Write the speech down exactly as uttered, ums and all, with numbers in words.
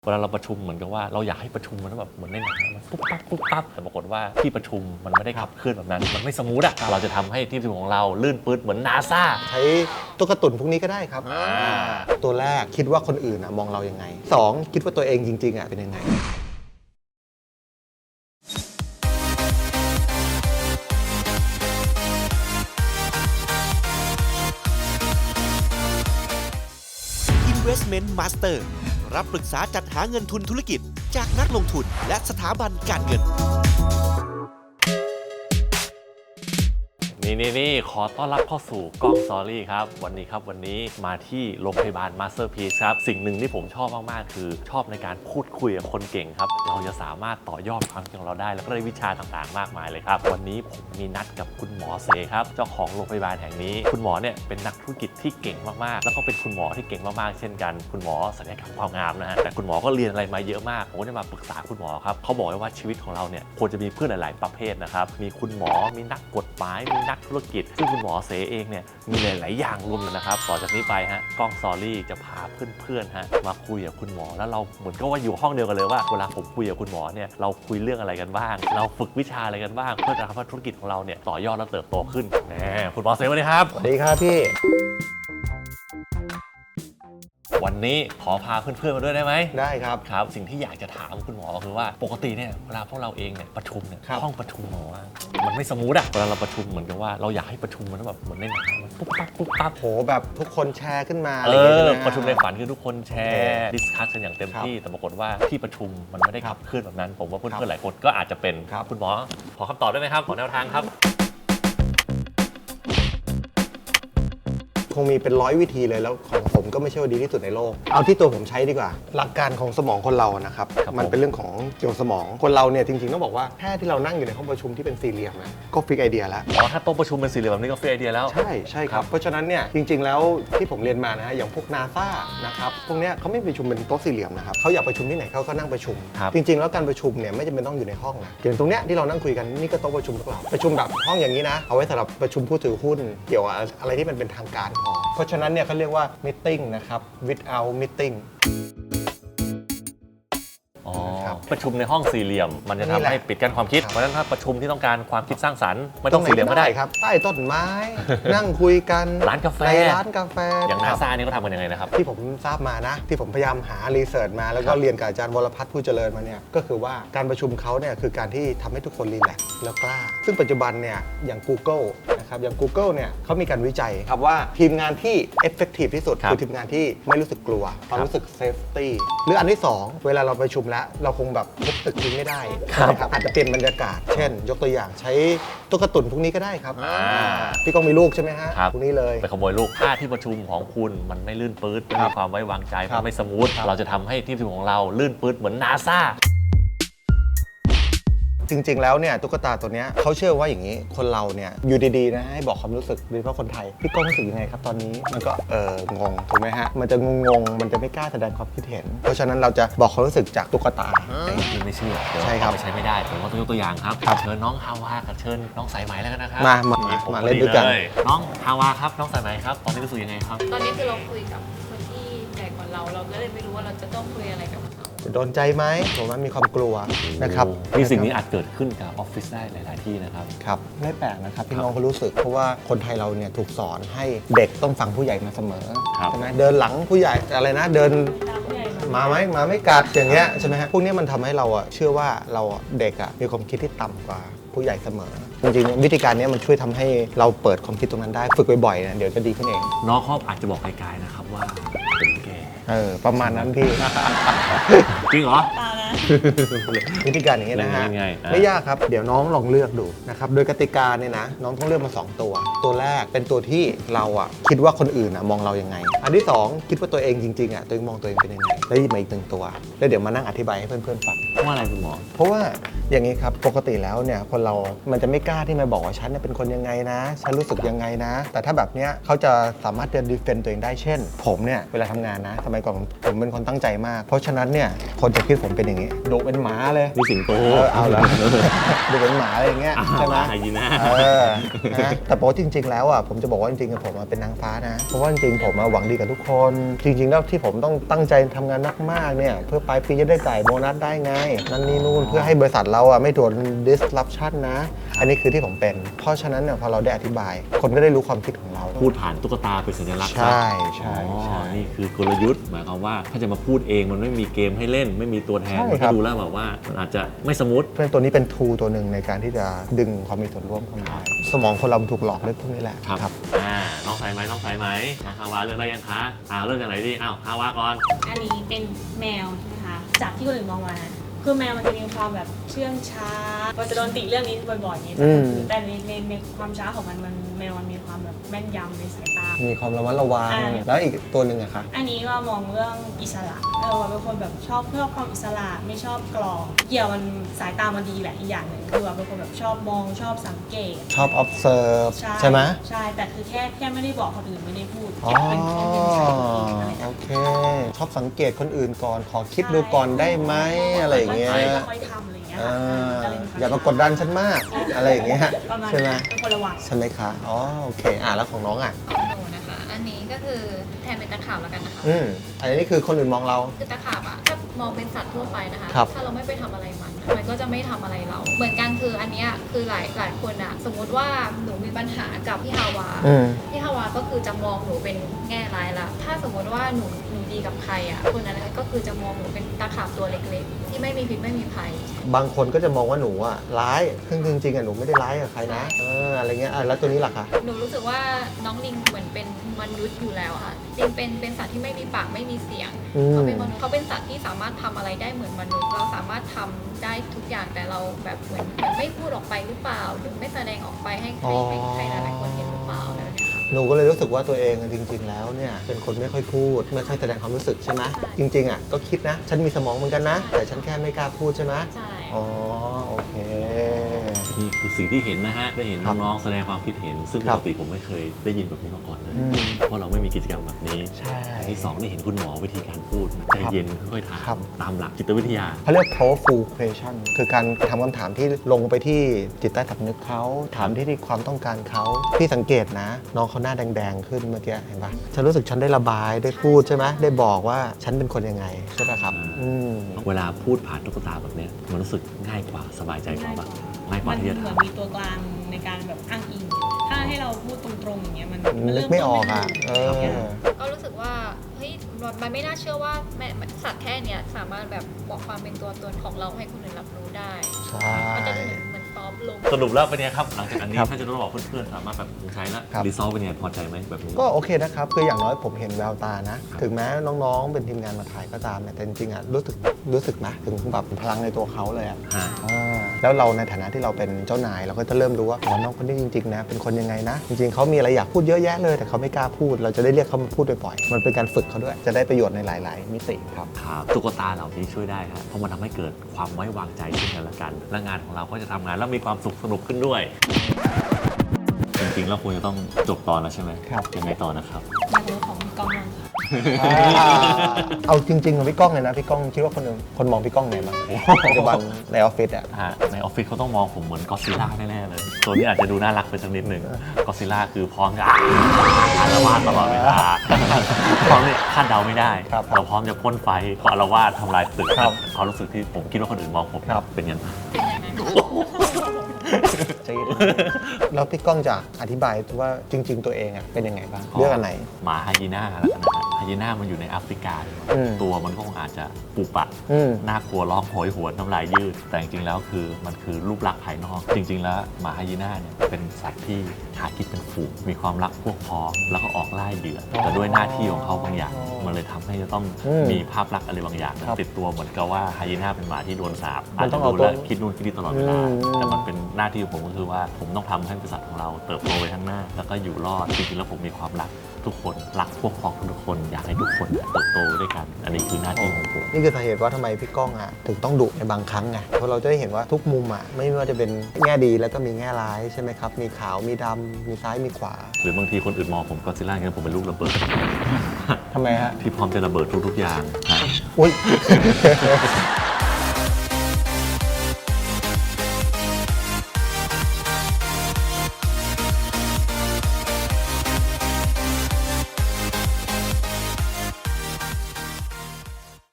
เวลาเราประชุมเหมือนกับว่าเราอยากให้ประชุมมันแบบเหมือนในหนังมันปุ๊บปั๊บปุ๊บปั๊บแต่ปรากฏว่าที่ประชุมมันไม่ได้ขับเคลื่อนแบบนั้นมันไม่สมูทอะเราจะทำให้ทีมประชุมของเราลื่นปื๊ดเหมือนนาซาใช้ตุ๊กตุ่นพวกนี้ก็ได้ครับตัวแรกคิดว่าคนอื่นมองเรายังไงสองคิดว่าตัวเองจริงๆอ่ะเป็นยังไง Investment Master รับปรึกษาจัดหาเงินทุนธุรกิจจากนักลงทุนและสถาบันการเงินนี่นี่นี่ขอต้อนรับเข้าสู่กล้องสตอรี่ครับวันนี้ครับวันนี้มาที่โรงพยาบาล Masterpiece ครับสิ่งหนึ่งที่ผมชอบมากๆคือชอบในการพูดคุยกับคนเก่งครับเราจะสามารถต่อยอดความคิดของเราได้แล้วก็ได้วิชาต่างๆมากมายเลยครับวันนี้ผมมีนัดกับคุณหมอเสครับเจ้าของโรงพยาบาลแห่งนี้คุณหมอเนี่ยเป็นนักธุรกิจที่เก่งมากๆแล้วก็เป็นคุณหมอที่เก่งมากๆเช่นกันคุณหมอศัลยกรรมความงามนะฮะแต่คุณหมอก็เรียนอะไรมาเยอะมากผมก็ได้มาปรึกษาคุณหมอครับเขาบอกว่าชีวิตของเราเนี่ยควรจะมีเพื่อนหลายๆประเภทนะครับมีคุณหมอมีนักกฎหมายมีนักธุรกิจซึ่งคุณหมอเสเองเนี่ยมีหลายๆอย่างรวมกันนะครับต่อจากนี้ไปฮะกล้องสตอรี่จะพาเพื่อนๆฮะมาคุยกับคุณหมอแล้วเราเหมือนก็ว่าอยู่ห้องเดียวกันเลยว่าเวลาผมคุยกับคุณหมอเนี่ยเราคุยเรื่องอะไรกันบ้างเราฝึกวิชาอะไรกันบ้างเพื่อจะทำให้ธุรกิจของเราเนี่ยต่อยอดและเติบโตขึ้นแหมคุณหมอเสสวัสดีครับสวัสดีครับพี่วันนี้ขอพาเพื่อนๆมาด้วยได้ไหมได้ครับครับสิ่งที่อยากจะถามคุณหมอคือว่าปกติเนี่ยเวลาพวกเราเองเนี่ยประชุมเนี่ยห้องประชุมหมอมันไม่สมูทอะเวลาเราประชุมเหมือนกับว่าเราอยากให้ประชุมมันแบบเหมือนในหนังมันปุ๊บปั๊บปุ๊บปั๊บโหแบบทุกคนแชร์ขึ้นมาเออประชุมในฝันคือทุกคนแชร์ดิสคัสกันอย่างเต็มที่แต่ปรากฏว่าที่ประชุมมันไม่ได้ขับเคลื่อนแบบนั้นผมว่าเพื่อนๆหลายคนก็อาจจะเป็นคุณหมอขอคำตอบได้ไหมครับขอแนวทางครับคงมีเป็นร้อยวิธีเลยแล้วของผมก็ไม่ใช่ว่าดีที่สุดในโลกเอาที่ตัวผมใช้ดีกว่าหลักการของสมองคนเรานะครับมันเป็นเรื่องของเกี่ยวกับสมองคนเราเนี่ยจริงๆต้องบอกว่าแค่ที่เรานั่งอยู่ในห้องประชุมที่เป็นสี่เหลี่ยมนะก็ฟิกไอเดียแล้วอ๋อถ้าโต๊ะประชุมเป็นสี่เหลี่ยมแบบนี้ก็ฟิกไอเดียแล้วใช่ใช่ครับเพราะฉะนั้นเนี่ยจริงๆแล้วที่ผมเรียนมานะฮะอย่างพวกนาซานะครับพวกเนี้ยเขาไม่ประชุมเป็นโต๊ะสี่เหลี่ยมนะครับเขาอยากประชุมที่ไหนเขาก็นั่งประชุมจริงๆแล้วการประชุมเนี่ยไม่จำเป็นต้องอยู่ในห้องนะอย่างตรงเนี้ยที่เรานั่งคุยกันนี่ก็โต๊ะประชุมพวกเราประชุมแบบห้องอย่างนี้นะเอาไว้สำหรับประชุมผู้ถือหุ้นเกี่ยวกับอะไรที่มันเป็นทางการพอเพราะฉะนั้นเนี่ยเขาเรียกว่า meeting นะครับ without meeting ประชุมในห้องสี่เหลี่ยมมันจะทำให้ปิดกั้นความคิดเพราะฉะนั้นถ้าประชุมที่ต้องการความคิดสร้างสรรค์ไม่ต้องสี่เหลี่ยมก็ได้ครับใต้ต้นไม้ นั่งคุยกันร้านกาแฟร้านกาแฟอย่างนาซานี่เขาทำกันยังไงนะครับที่ผมทราบมานะที่ผมพยายามหารีเสิร์ชมาแล้วก็เรียนกับอาจารย์วรพัฒน์ผู้เจริญมาเนี่ยก็คือว่าการประชุมเขาเนี่ยคือการที่ทำให้ทุกคนรีแลกซ์แล้วกล้าซึ่งปัจจุบันเนี่ยอย่าง Google นะครับอย่าง Google เนี่ยเขามีการวิจัยครับว่าทีมงานที่ effective ที่สุดคือทีมงานที่ไม่รู้สึกกลัวความรู้สึก safety หรืออันที่สองเวลาเราประชุมแล้วเราคงแบบทุบตึกทิ้งไม่ได้นะครับอาจจะเปลี่ยนบรรยากาศเช่นยกตัวอย่างใช้ตุ๊กตุ่นพวกนี้ก็ได้ครับพี่ก้องมีลูกใช่ไหมฮะพวกนี้เลยไปขโมยลูกถ้าที่ประชุมของคุณมันไม่ลื่นปื๊ดไม่มีความไว้วางใจมันไม่สมูทเราจะทำให้ทีมประชุมของเราลื่นปื๊ดเหมือนนาซาจริงๆแล้วเนี่ยตุ๊กตาตัวนี้เขาเชื่อว่าอย่างนี้คนเราเนี่ยอยู่ดีๆนะให้บอกความรู้สึกโดยเฉพาะคนไทยพี่ก้องรู้สึกยังไงครับตอนนี้มันก็เอองงถูกไหมฮะมันจะงงๆมันจะไม่กล้าแสดงความคิดเห็นเพราะฉะนั้นเราจะบอกความรู้สึกจากตุ๊กตาไม่เชื่อใช่ครับใช้ไม่ได้ผมว่าต้องยกตัวอย่างครับเชิญน้องฮาวากับเชิญน้องสายไหมแล้วกันนะครับมามามาเล่นด้วยกันน้องฮาวาครับน้องสายไหมครับตอนนี้รู้สึกยังไงครับตอนนี้คือเราคุยกับคนที่ใหญ่กว่าเราเราก็เลยไม่รู้ว่าเราจะต้องคุยอะไรกับเขาจะโดนใจไหมผมว่ามีความกลัวนะครับที่สิ่งนี้อาจเกิดขึ้นกับออฟฟิศได้หลายๆที่นะครับครับไม่แปลกนะครับพี่น้องเขารู้สึกเพราะว่าคนไทยเราเนี่ยถูกสอนให้เด็กต้องฟังผู้ใหญ่มาเสมอใช่ไหมเดินหลังผู้ใหญ่อะไรนะเดินมาไหมมาไม่กัดอย่างเงี้ยใช่ไหมฮะพวกนี้มันทำให้เราอะเชื่อว่าเราเด็กอะมีความคิดที่ต่ำกว่าผู้ใหญ่เสมอจริงๆวิธีการนี้มันช่วยทำให้เราเปิดความคิดตรงนั้นได้ฝึกบ่อยๆเนี่ยเดี๋ยวจะดีขึ้นเองน้องเขาอาจจะบอกไกลๆนะครับว่าเป็นแกเออประมาณนั้นพี่จริงเหรอวิธีการอย่างนี้นะฮะไม่ยากครับเดี๋ยวน้องลองเลือกดูนะครับโดยกติกาเนี่ยนะน้องต้องเลือกมาสองตัวตัวแรกเป็นตัวที่เราอ่ะคิดว่าคนอื่นอ่ะมองเรายังไงอันที่สองคิดว่าตัวเองจริงๆอ่ะตัวเองมองตัวเองเป็นยังไงแล้วหยิบมาอีกหนึ่งตัวแล้วเดี๋ยวมานั่งอธิบายให้เพื่อนๆฟังว่าอะไรคุณหมอเพราะว่าอย่างนี้ครับปกติแล้วเนี่ยคนเรามันจะไม่กล้าที่มาบอกว่าฉันเป็นคนยังไงนะฉันรู้สึกยังไงนะแต่ถ้าแบบเนี้ยเขาจะสามารถจะดีเฟนต์ตัวเองได้เช่นผมเนี่ยเวลาทำงานนะสมัยก่อนผมเป็นคนตั้งใจมากเพราะฉะนั้นเนี่ยคนจะคิดผมเป็นอย่างงี้ดุเป็นหมาเลยนี่สิงโตเออเอาละดุเป็นหมาอะไรอย่างเงี้ยใช่ไหมไฮยีน่าเออนะแต่บอกว่าจริง ๆ แล้วอ่ะผมจะบอกว่าจริงๆผมเป็นนางฟ้านะเพราะว่าจริงๆผมหวังดีกับทุกคนจริง ๆ แล้วที่ผมต้องตั้งใจทำงานมากๆเนี่ยเพื่อปลายปีจะได้จ่ายโบนัสได้ไงนั่นนี่นู่นเพื่อให้บริษัทเราอ่ะไม่โดน disruption นะอันนี้คือที่ผมเป็นเพราะฉะนั้นเนี่ยพอเราได้อธิบายคนก็ได้รู้ความคิดของเราพูดผ่านตุ๊กตาเป็นสัญลักษณ์ใช่ใช่อ๋อใช่นี่คือกลยุทธ์หมายความว่าถ้าจะมาพูดเองมันไม่มีเกมให้เล่น ไม่มีตัวแทนใช่มันครัก็บดูแล้วแบบว่ามันอาจจะไม่สมูทเพราะฉะนั้นตัวนี้เป็น tool ตัวหนึ่งในการที่จะดึงความมีส่วนร่วมเข้ามาสมองคนเรามันถูกหลอกด้วยพวกนี้แหละครับ อ่า น้องใส่ไหมน้องใส่ไหมนะฮาวาเลือกได้ยังคะอ่าเลือกจากไหนดีอ้าวฮาวาก่อนอันนี้เป็นแมวใช่ไหมคะจากที่คนอื่นมองมาคือแมวมันจะมีความแบบเชื่องช้าเราจะโดนติเรื่องนี้บ่อยๆนี่อืมแต่ในในในความช้าของมันมันแมวมันมีความแบบแม่นยำในสายตามีความระมัดระวังอ่าแล้วอีกตัวหนึ่งอะคะอันนี้ก็มองเรื่องอิสระเออว่าเป็นคนแบบชอบเพื่อความอิสระไม่ชอบกรอบเกี่ยวมันสายตามันดีแหละอีกอย่างหนึ่งคือว่าเป็นคนแบบชอบมองชอบสังเกตชอบ observe ใช่ไหมใช่แต่คือแค่แค่ไม่ได้บอกคนอื่นไม่ได้พูดอ๋อเป็นของเป็นสายตาอะไรโอแบบเค ชอบสังเกตคนอื่นก่อน ขอคิดดูก่อนได้ไหมอะไรอย่างเงี้ยค่อยๆทำอะไรอย่างเงี้ยอ่าค่ะก็เลยควอย่ามากดดันฉันมาก อะไรอย่างเงี้ยประมาณใช่ไหมนั้นเป็นคนระวังใช่ไหมคะอ๋อโอเคอ่ะแล้วของน้องอ่ะของหนูนะคะ อันนี้ก็คือแทนเป็นตะขาบแล้วกันนะคะอืมอันนี้คือคนอื่นมองเราคือตะขาบอะถ้ามองเป็นสัตว์ทั่วไปนะคะครับถ้าเราไม่ไปทำอะไรมัน มันก็จะไม่ทำอะไรเรา เหมือนกันคืออันเนี้ยคือหลายหลายคนอะสมมุติว่าหนูมีปัญหากับพี่ฮาวาอืมพี่ฮาวาก็คือจะมองหนูเป็นแง่ร้ายละ ถ้าสมมติว่าหนูหนูดีกับใครอะคนนั้นก็คือจะมองหนูเป็นตะขาบตัวเล็กๆ ที่ไม่มีพิษไม่มีภัยบางคนก็จะมองว่าหนูอ่ะร้ายซึ่งจริงๆอ่ะหนูไม่ได้ร้ายกับใครนะเอออะไรเงี้ยอ่ะแล้วตัวนี้ล่ะคะหนูรู้สึกว่าน้องลิงเหมือนเป็นมนุษย์อยู่แล้วอะค่ะลิงเป็นเป็นสัตว์ที่ไม่มีปากไม่มีเสียงอืมเขาเป็นมนุษย์เขาเป็นสัตว์ที่สามารถทำอะไรได้เหมือนมนุษย์ เราสามารถทำได้ทุกอย่างแต่เราแบบเหมือนเหมือนไม่พูดออกไปหรือเปล่า หรือไม่แสดงออกไปให้ใครให้ใครหลายๆคนเห็นหรือเปล่าอะไรแบบเนี้ยค่ะหนูก็เลยรู้สึกว่าตัวเองอะจริง ๆ แล้วเนี่ยเป็นคนไม่ค่อยพูด ไม่ค่อยแสดงความรู้สึกใช่ไหมใช่จริง ๆอ่ะก็คิดนะ ฉันมีสมองเหมือนกันนะ แต่ฉันแค่ไม่กล้าพูดใช่ไหมใช่อ๋อโอเคนี่คือสิ่งที่เห็นนะฮะ ได้เห็นครับน้องๆแสดงความคิดเห็น ซึ่งคปรับกติผมไม่เคยได้ยินแบบนี้มาก่อนเลยอืมเพราะเราไม่มีกิจกรรมแบบนี้ใช่อันที่สองได้เห็นคุณหมอวิธีการพูดใจเย็นค่อยๆถาครัมบตามหลักจิตวิทยาเขาเรียก powerful question คือการทำคำถามที่ลงไปที่จิตใต้สำนึกเขาถามที่ที่ความต้องการเขาพี่สังเกตนะ น้องเขาหน้าแดง ๆ ขึ้นเมื่อกี้เห็นปะฉันรู้สึกฉันได้ระบายได้พูดใช่ไหมได้บอกว่าฉันเป็นคนยังไงใช่ปะครับ อืมเวลาพูดผ่านตุ๊กตาแบบเนี้ยมันรู้สึกง่ายกว่าสบายใจกว่าปะง่ายกว่ามันที่จะเหมือนถามมีตัวกลางในการแบบอ้างอิง ถ้าให้เราพูดตรงๆอย่างเงี้ยมันนึเริ่กไม่ออกอ่ะ เออก็รู้สึกว่าเฮ้ยมันไม่น่าเชื่อว่าแม่สัตว์แค่เนี้ยสามารถแบบบอกความเป็นตัวตนของเราให้คนอื่นรับรู้ได้ใช่มันจะเหมือนเหมือนซอฟต์ลงสรุปแล้วเป็นไงครับ หลังจากอันนี้ครับถ้าจะต้องบอกเพื่อนๆสามารถแบบใช้แล้วครับรีซอลเป็นไงพอใจไหมแบบนี้ก็โอเคนะครับ คืออย่างน้อยผมเห็นแววตานะ ถึงแม้น้องๆ เป็นทีมงานมาถ่ายก็ตามเนี่ยแต่จริงๆอ่ะรู้สึกรู้สึกนะถึงแบบพลังในตัวเขาเลยอ่ะฮะอ่าแล้วเราในฐานะที่เราเป็นเจ้านายเราก็จะเริ่มรู้ว่าอ๋อน้องคนนี้จริงๆนะเป็นคนยังไงนะ จริงๆเขามีอะไรอยากพูดเยอะแยะเลย แต่เขาไม่กล้าพูด เราจะได้เรียกเขามาพูดบ่อยๆมันเป็นการฝึกเขาด้วย จะได้ประโยชน์ในหลาย ๆ มิติครับครับตุ๊กตาเหล่านี้ช่วยได้ครับเพราะมันทำให้เกิดความไว้วางใจซึ่งกันและกัน และงานของเราก็จะทำงานแล้วมีความสุขสนุกขึ้นด้วย จริงๆแล้วควรจะต้องจบตอนแล้วใช่ไหมครับยังไงต่อนะครับมาถึงของพี่กองลังค่ะอ่าเอาจริงๆกับพี่ก้องเลยนะพี่ก้องคิดว่าคนหนึ่งคนมองพี่ก้องไงบ้างปัจจุบันในออฟฟิศอ่ะฮะในออฟฟิศเขาต้องมองผมเหมือนก็อดซิลล่าแน่ๆเลย ตัวนี้อาจจะดูน่ารักไปสักนิดหนึ่งก็อดซิลล่าคือพร้อมจะอารวาสตลอดเวลาพร้อมเนี่ยคาดเดาไม่ได้ครับเราพร้อมจะพ่นไฟก็อารวาสทำลายตึกครับความรู้สึกที่ผมคิดว่าคนอื่นมองผมครับเป็นยังไงใจเย็นแล้วพี่ก้องจะอธิบายว่าจริง ๆ ตัวเองอ่ะเป็นยังไงบ้างอ๋อเรื่องอันไหนหมาไฮยีน่าแล้วกันนะฮะไฮยีน่ามันอยู่ในแอฟริกาอืมตัวมันก็คงอาจจะปุปะอืมน่ากลัวร้องโหยหวนน้ำลายยืด แต่จริงๆแล้วคือมันคือรูปลักษณ์ภายนอก จริง ๆ แล้วหมาไฮยีน่าเนี่ยเป็นสัตว์ที่หากินเป็นฝูงมีความรักพวกพ้องแล้วก็ออกล่าเหยื่อแต่ด้วยหน้าที่ของเขาบางอย่าง มันเลยทำให้จะต้องอืมมีภาพลักษณ์อะไรบางอย่างครับติดตัวเหมือนกับว่าไฮยีน่าเป็นหมาที่โดนสาปมัอาจนต้จะองเอาดูแลตัวคิดนู่นคิดนี่ตลอดเวลาอืมแต่มันเป็นหน้าที่ของผมก็คือว่าผมต้องทำให้บริษัทของเราเติบโตไปข้างหน้า แล้วก็อยู่รอดจริงๆแล้วผมมีความรักทุกคนรักพวกพ้องทุกคนอยากให้ทุกคนเติบโตด้วยกัน อันนี้คือหน้าที่ของผมนี่คือสาเหตุว่าทำไมพี่ก้องอ่ะถึงต้องดุในบางครั้งไงเพราะเราจะได้เห็นว่าทุกมุมอ่ะไม่ว่าจะเป็นแง่ดีแล้วก็มีแง่ร้ายใช่ไหมครับ มีขาวมีดำมีซ้ายมีขวาหรือบางทีคนอื่นมองผมก็ซิล่าเนี่ยผมเป็นลูกระเบิดทำไมฮะที่พร้อมจะระเบิดทุกๆอย่างฮะอุ้ย